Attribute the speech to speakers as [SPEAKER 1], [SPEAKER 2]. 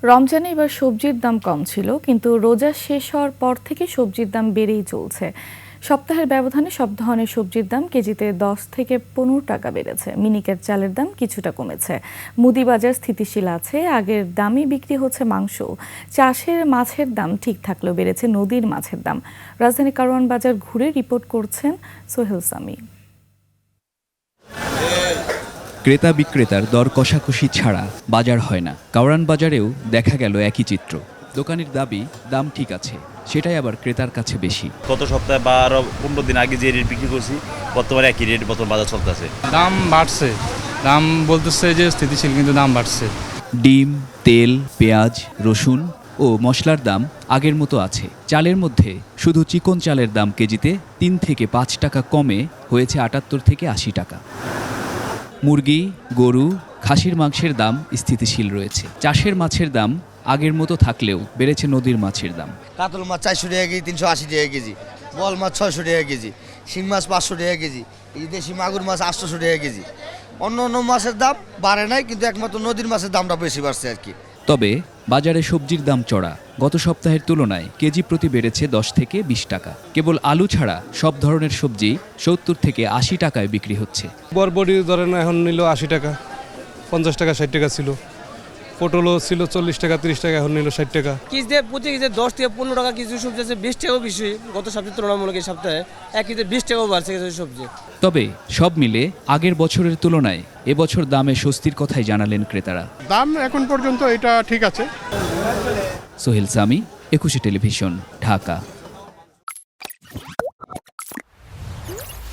[SPEAKER 1] রমজানে এবার সবজির দাম কম ছিল, কিন্তু রোজা শেষ হওয়ার পর থেকে সবজির দাম বেড়েই চলছে। সপ্তাহের ব্যবধানে সব ধরনের সবজির দাম কেজিতে 10 থেকে 15 টাকা বেড়েছে। মিনিকেট চালের দাম কিছুটা কমেছে। মুদি বাজার স্থিতিশীল আছে, আগের দামে বিক্রি হচ্ছে মাংস। চাষের মাছের দাম ঠিক থাকলেও বেড়েছে নদীর মাছের দাম। রাজধানী কারওয়ান বাজার ঘুরে রিপোর্ট করছেন সোহেল সামি।
[SPEAKER 2] ক্রেতা বিক্রেতার দর কষাকষি ছাড়া বাজার হয় না। কারওয়ান বাজারেও দেখা গেল একই চিত্র। দোকানির দাবি দাম ঠিক আছে, সেটাই আবার ক্রেতার কাছে বেশি।
[SPEAKER 3] গত সপ্তাহে বা আরো 15 দিন আগে যে রেট বিক্রি করছি, বর্তমানে একই রেট বর্তমান বাজার চলতেছে।
[SPEAKER 4] দাম বাড়ছে, দাম বলতেছে যে স্থিতিশীল, কিন্তু দাম বাড়ছে।
[SPEAKER 2] ডিম, তেল, পেঁয়াজ, রসুন ও মশলার দাম আগের মতো আছে। চালের মধ্যে শুধু চিকন চালের দাম কেজিতে 3 থেকে 5 টাকা কমে হয়েছে 78 থেকে 80 টাকা। মুরগি, গরু, খাসির মাংসের দাম স্থিতিশীল রয়েছে। চাষের মাছের দাম আগের মতো থাকলেও বেড়েছে নদীর মাছের দাম।
[SPEAKER 5] কাতল মাছ 400 টাকা কেজি, 380 টাকা কেজি, বল মাছ 600 টাকা কেজি, শিং মাছ 500 টাকা কেজি, এই দেশি মাগুর মাছ 800 টাকা কেজি। অন্য অন্য মাছের দাম বাড়ে নাই, কিন্তু একমাত্র নদীর মাছের দামটা বেশি বাড়ছে আর কি।
[SPEAKER 2] তবে বাজারে সবজির দাম চড়া। গত সপ্তাহের তুলনায় কেজি প্রতি বেড়েছে 10 থেকে 20 টাকা। কেবল আলু ছাড়া সব ধরনের সবজি 70 থেকে 80 টাকায় বিক্রি হচ্ছে।
[SPEAKER 6] বরবটি ধরেন এখন নিল 80 টাকা, 50 টাকা 60 টাকা ছিল। পটলও ছিল 40 টাকা 30 টাকা, এখন নিল 60 টাকা।
[SPEAKER 7] কেজিতে প্রতি কেজিতে 10 থেকে 15 টাকা কিছু সবজি আছে, 20 টাকাও বেশি। গত সপ্তাহে তুলনামূলক এই সপ্তাহে এক কেজিতে 20 টাকাও বাড়ছে কিছু সবজি।
[SPEAKER 2] তবে সব মিলে আগের বছরের তুলনায় এবছর দামে স্বস্তির কথাই জানালেন ক্রেতারা।
[SPEAKER 8] দাম এখন পর্যন্ত এটা ঠিক আছে।
[SPEAKER 2] সোহেল সামি, 21 টেলিভিশন, ঢাকা।